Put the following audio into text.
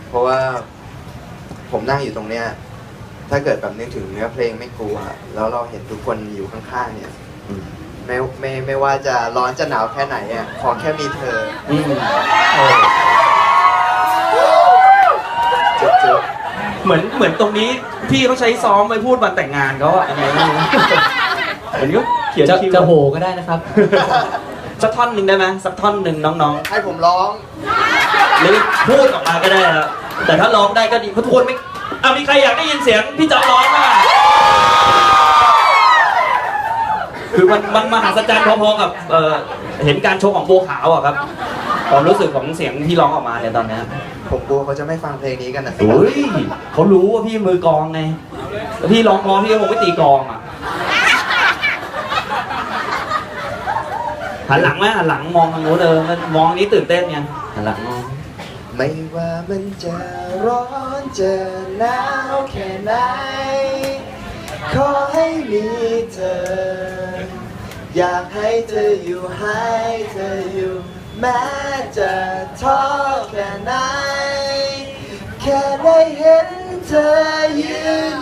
เพราะว่าผมนั่งอยู่ตรงเนี้ยถ้าเกิดแบบนึกถึงเนื้อเพลงไม่กลัวแล้วเราเห็นทุกคนอยู่ข้างๆเนี่ยไม่ว่าจะร้อนจะหนาวแค่ไหนอ่ะขอแค่มีเธอจุ๊บเหมือนตรงนี้พี่เขาใช้ซ้อมไปพูดวันแต่งงานเขาอะไรไม่รู้เหมือนก็เขียนจะโหก็ได้นะครับสักท่อนหนึ่งได้ไหมสักท่อนหนึ่งน้องๆให้ผมร้องหรือพูดออกมาก็ได้ครับแต่ถ้าร้องได้ก็ดีเพราะทุกคนไม่มีใครอยากได้ยินเสียงพี่จ๊อบร้องป่ะคือมันมหัศจรรย์พอๆกับเห็นการโชว์ของบัวขาวอะครับความรู้สึกของเสียงที่ร้องออกมาเนี่ยตอนนี้ผมกลัวเขาจะไม่ฟังเพลงนี้กันนะเฮ้ยเขารู้ว่าพี่มือกลองไงแล้วพี่ร้องพอพี่ก็คงไม่ตีกลองอะหันหลังไหมหันหลังมองทางโน้นมองนี้ตื่นเต้นไงหันหลังมองไม่ว่ามันจะร้อนจะหนาวแค่ไหนขอให้มีเธออยากให้เธออยู่ให้เธออยู่แม้จะท้อแค่ไหนแค่ได้เห็นเธอยืน